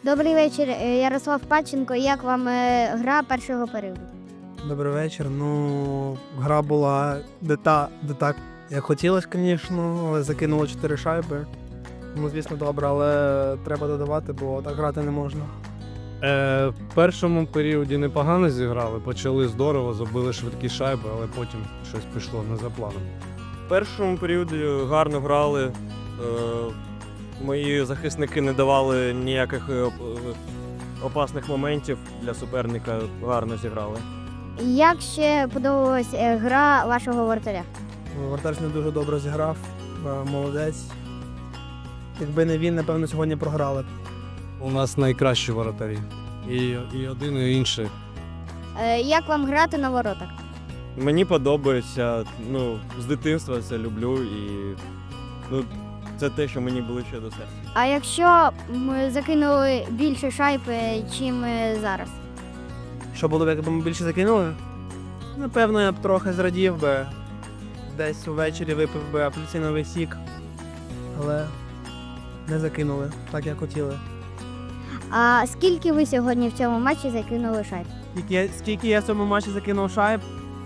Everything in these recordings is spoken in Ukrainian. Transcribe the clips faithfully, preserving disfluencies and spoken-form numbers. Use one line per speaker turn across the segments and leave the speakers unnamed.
Добрий вечір, е, Ярослав Панченко. Як вам е, гра першого періоду?
Добрий вечір. Ну, гра була не, та, не так, як хотілося, звісно, але закинули чотири шайби. Ну, звісно, добре, але треба додавати, бо так грати не можна.
Е, в першому періоді непогано зіграли, почали здорово, забили швидкі шайби, але потім щось пішло не за планом.
В першому періоді гарно грали. Е, мої захисники не давали ніяких е, опасних моментів для суперника, гарно зіграли.
Як ще подобалась е, гра вашого воротаря?
Вратар не дуже добре зіграв, е, молодець. Якби не він, напевно, сьогодні програли б.
У нас найкращі воротарі. І, і один, і інший.
Е, Як вам грати на воротах?
Мені подобається, ну, з дитинства це люблю і ну, це те, що мені ближче до серця.
А якщо ми закинули більше шайб, е, чим е, зараз?
Що було б, якби ми більше закинули? Напевно, я б трохи зрадів би. Десь увечері випив би апельсиновий сік. Але не закинули, так як хотіли.
А скільки ви сьогодні в цьому матчі закинули шайб?
Скільки я, скільки я в цьому матчі закинув шайб?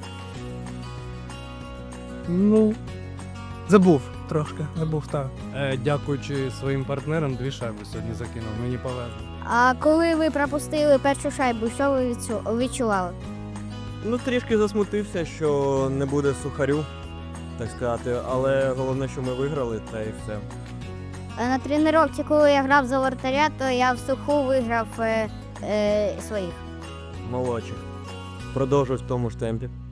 Ну,
Забув трошки, забув, так.
е, дякуючи своїм партнерам, дві шайби сьогодні закинув. Мені повезло.
А коли ви пропустили першу шайбу, що ви відчу- відчували?
Ну, трішки засмутився, що не буде сухарю, так сказати, але головне, що ми виграли, та і все.
Е, На тренувці, коли я грав за воротаря, то я в суху виграв е, е, своїх.
Молодчик. Продовжуй в тому ж темпі.